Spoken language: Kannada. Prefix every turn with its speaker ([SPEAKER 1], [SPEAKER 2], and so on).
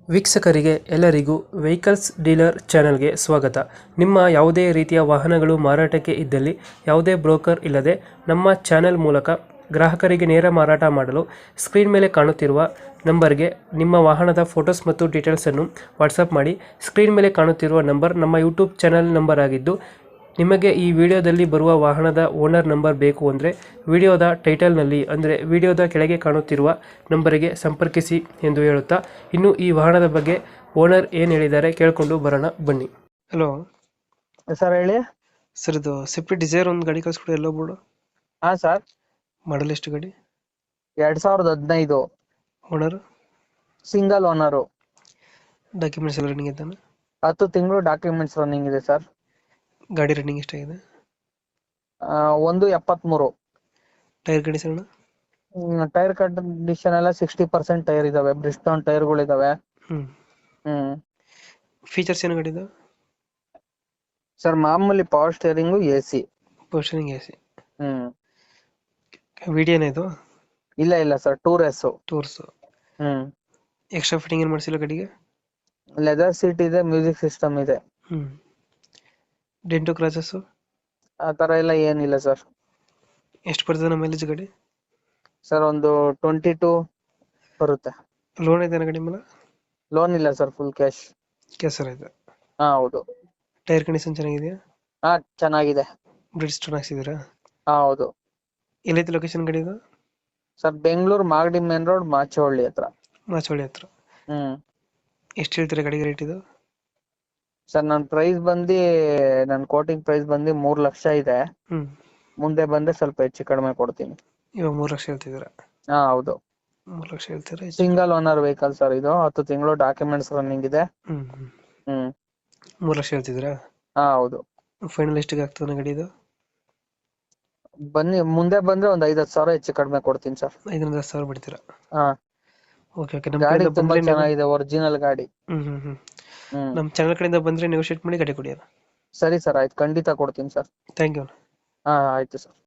[SPEAKER 1] ವೀಕ್ಷಕರಿಗೆ ಎಲ್ಲರಿಗೂ ವೆಹಿಕಲ್ಸ್ ಡೀಲರ್ ಚಾನೆಲ್ಗೆ ಸ್ವಾಗತ. ನಿಮ್ಮ ಯಾವುದೇ ರೀತಿಯ ವಾಹನಗಳು ಮಾರಾಟಕ್ಕೆ ಇದ್ದಲ್ಲಿ ಯಾವುದೇ ಬ್ರೋಕರ್ ಇಲ್ಲದೆ ನಮ್ಮ ಚಾನೆಲ್ ಮೂಲಕ ಗ್ರಾಹಕರಿಗೆ ನೇರ ಮಾರಾಟ ಮಾಡಲು ಸ್ಕ್ರೀನ್ ಮೇಲೆ ಕಾಣುತ್ತಿರುವ ನಂಬರ್ಗೆ ನಿಮ್ಮ ವಾಹನದ ಫೋಟೋಸ್ ಮತ್ತು ಡೀಟೇಲ್ಸನ್ನು ವಾಟ್ಸಪ್ ಮಾಡಿ. ಸ್ಕ್ರೀನ್ ಮೇಲೆ ಕಾಣುತ್ತಿರುವ ನಂಬರ್ ನಮ್ಮ ಯೂಟ್ಯೂಬ್ ಚಾನೆಲ್ ನಂಬರ್ ಆಗಿದ್ದು, ನಿಮಗೆ ಈ ವಿಡಿಯೋದಲ್ಲಿ ಬರುವ ವಾಹನದ ಓನರ್ ನಂಬರ್ ಬೇಕು ಅಂದರೆ ವಿಡಿಯೋದ ಟೈಟಲ್ನಲ್ಲಿ ಅಂದರೆ ವಿಡಿಯೋದ ಕೆಳಗೆ ಕಾಣುತ್ತಿರುವ ನಂಬರಿಗೆ ಸಂಪರ್ಕಿಸಿ ಎಂದು ಹೇಳುತ್ತಾ, ಇನ್ನು ಈ ವಾಹನದ ಬಗ್ಗೆ ಓನರ್ ಏನು ಹೇಳಿದ್ದಾರೆ ಕೇಳಿಕೊಂಡು ಬರೋಣ ಬನ್ನಿ. ಹಲೋ
[SPEAKER 2] ಸರ್ ಹೇಳಿ.
[SPEAKER 1] ಸರ್, ಇದು ಸ್ವಿಫ್ಟ್ ಡಿಸೈರ್ ಒಂದು ಗಾಡಿ ಕಳಿಸ್ಕೊಡಿ ಎಲ್ಲೋ ಬೋರ್ಡು.
[SPEAKER 2] ಹಾ ಸರ್,
[SPEAKER 1] ಮಾಡಲ್ ಎಷ್ಟು ಗಾಡಿ?
[SPEAKER 2] 2015
[SPEAKER 1] ಓನರ್?
[SPEAKER 2] Single owner.
[SPEAKER 1] ಡಾಕ್ಯುಮೆಂಟ್ಸ್ ಎಲ್ಲ ರನ್ನಿಂಗ್ ಇದ್ದಾನೆ?
[SPEAKER 2] 10 ತಿಂಗಳು ಡಾಕ್ಯುಮೆಂಟ್ಸ್ ರನ್ನಿಂಗ್ ಇದೆ ಸರ್.
[SPEAKER 1] ಗಾಡಿ ರನ್ನಿಂಗ್ ಎಷ್ಟಾಗಿದೆ?
[SPEAKER 2] 1.73.
[SPEAKER 1] Tyre condition?
[SPEAKER 2] ಟೈರ್ ಕಂಡೀಷನ್ ಎಲ್ಲ 60% ಟೈರ್ ಇದಾವೆ. ಬ್ರಿಸ್ಟೋನ್ ಟೈರ್ಗಳು ಇದಾವೆ. ಹ್ಮ್
[SPEAKER 1] ಫೀಚರ್ಸ್ ಏನು ಗಾಡಿದು?
[SPEAKER 2] ಸರ್ ಮಾಮೂಲಿ ಪವರ್ ಸ್ಟೇರಿಂಗು, AC.
[SPEAKER 1] ಪೋಸ್ಟರಿಂಗ್ ಎ ಸಿ.
[SPEAKER 2] ಹ್ಮ್
[SPEAKER 1] ವಿಡಿಯೋನ ಇದು?
[SPEAKER 2] ಇಲ್ಲ ಸರ್, ಟೂರ್ಸ್.
[SPEAKER 1] ಟೂರ್ಸ್.
[SPEAKER 2] ಹ್ಮ್
[SPEAKER 1] ಎಕ್ಸ್ಟ್ರಾ ಫಿಟ್ಟಿಂಗ್ ಏನು ಮಾಡಿಸಿಲ್ಲ ಗಾಡಿಗೆ?
[SPEAKER 2] ಲೆದರ್ ಸೀಟ್ ಇದೆ, ಮ್ಯೂಸಿಕ್ ಸಿಸ್ಟಮ್ ಇದೆ.
[SPEAKER 1] ಡೆಂಟು ಕ್ರಾಚಸ್
[SPEAKER 2] ಆ ತರ ಎಲ್ಲ ಏನಿಲ್ಲ ಸರ್.
[SPEAKER 1] ಎಷ್ಟು ಬರ್ತದೆ ನಮ್ಮ ಮೈಲೇಜ್ ಗಾಡಿ?
[SPEAKER 2] ಸರ್ ಒಂದು 22 ಬರುತ್ತೆ.
[SPEAKER 1] ಲೋನ್ ಇದೆ ಗಾಡಿ ಮೇಲೆ?
[SPEAKER 2] ಲೋನ್ ಇಲ್ಲ ಸರ್, ಫುಲ್ ಕ್ಯಾಶ್.
[SPEAKER 1] ಕೆಸರ ಇದೆ.
[SPEAKER 2] ಹಾ ಹೌದು.
[SPEAKER 1] ಟೈರ್ ಕಂಡೀಷನ್ ಚೆನ್ನಾಗಿದೆಯಾ?
[SPEAKER 2] ಹಾ ಚೆನ್ನಾಗಿದೆ.
[SPEAKER 1] ಬ್ರಿಡ್ ಸ್ಟೋನ್ ಹಾಕ್ಸಿದ್ದೀರಾ?
[SPEAKER 2] ಹಾ ಹೌದು.
[SPEAKER 1] ಎಲ್ಲೈತೆ ಲೊಕೇಶನ್ ಗಾಡಿ ಇದು?
[SPEAKER 2] Sir Bengaluru Magadi main road, Machavalli ಹತ್ರ.
[SPEAKER 1] ಮಾಚೋಳಿ ಹತ್ರ.
[SPEAKER 2] ಹ್ಮ್
[SPEAKER 1] ಎಷ್ಟು ಹೇಳ್ತೀರಾ ಗಾಡಿಗೆ ರೇಟ್ ಇದು?
[SPEAKER 2] ಸರ್ ನನ್ನ ಕೋಟಿಂಗ್ ಪ್ರೈಸ್ ಬಂದು 3 ಲಕ್ಷ ಇದೆ. ಮುಂದೆ ಬಂದ್ರೆ ಸ್ವಲ್ಪ ಹೆಚ್ಚು ಕಡಿಮೆ ಕೊಡ್ತೀನಿ.
[SPEAKER 1] ಇವಾಗ 3 ಲಕ್ಷ ಹೇಳ್ತಿದ್ದೀರಾ?
[SPEAKER 2] ಹಾ ಹೌದು.
[SPEAKER 1] 3 ಲಕ್ಷ ಹೇಳ್ತೀರಾ?
[SPEAKER 2] ಸಿಂಗಲ್ ಓನರ್ ವೆಹಿಕಲ್ ಸರ್ ಇದು. 10 ತಿಂಗಳು ಡಾಕ್ಯುಮೆಂಟ್ಸ್ ರನ್ನಿಂಗ್ ಇದೆ. ಹ್ಮ್
[SPEAKER 1] 3 ಲಕ್ಷ ಹೇಳ್ತಿದ್ದೀರಾ?
[SPEAKER 2] ಹಾ ಹೌದು.
[SPEAKER 1] ಫೈನಲ್ ಎಷ್ಟಿಗೆ ಆಗ್ತದೆ ಗಾಡಿ ಇದು?
[SPEAKER 2] ಬನ್ನಿ, ಮುಂದೆ ಬಂದ್ರೆ ಒಂದ್ 5-10 ಸಾವಿರ ಹೆಚ್ಚು ಕಡಿಮೆ ಕೊಡ್ತೀನಿ ಸರ್.
[SPEAKER 1] 5-10 ಸಾವಿರ ಬಿಡ್ತೀರಾ?
[SPEAKER 2] ಹಾ
[SPEAKER 1] ಓಕೆ ಓಕೆ. ನಮ್ಮ
[SPEAKER 2] ಗಾಡಿ
[SPEAKER 1] ಕಡೆಯಿಂದ
[SPEAKER 2] ತುಂಬಾ
[SPEAKER 1] ಬಂದ್ರೆ
[SPEAKER 2] ಚೆನ್ನಾಗಿದೆ, ಒರಿಜಿನಲ್ ಗಾಡಿ.
[SPEAKER 1] ಹ್ಮ್
[SPEAKER 2] ಹ್ಮ್
[SPEAKER 1] ನಮ್ಮ ಚಾನಲ್ ಕಡೆಯಿಂದ ಬಂದ್ರೆ ನೆಗೋಶಿಯೇಟ್ ಮಾಡಿ ಗಾಡಿ ಕೊಡಿ.
[SPEAKER 2] ಸರಿ ಸರ್, ಆಯ್ತು, ಖಂಡಿತ ಕೊಡ್ತೀನಿ ಸರ್.
[SPEAKER 1] Thank you.
[SPEAKER 2] ಹಾ ಆಯ್ತು ಸರ್.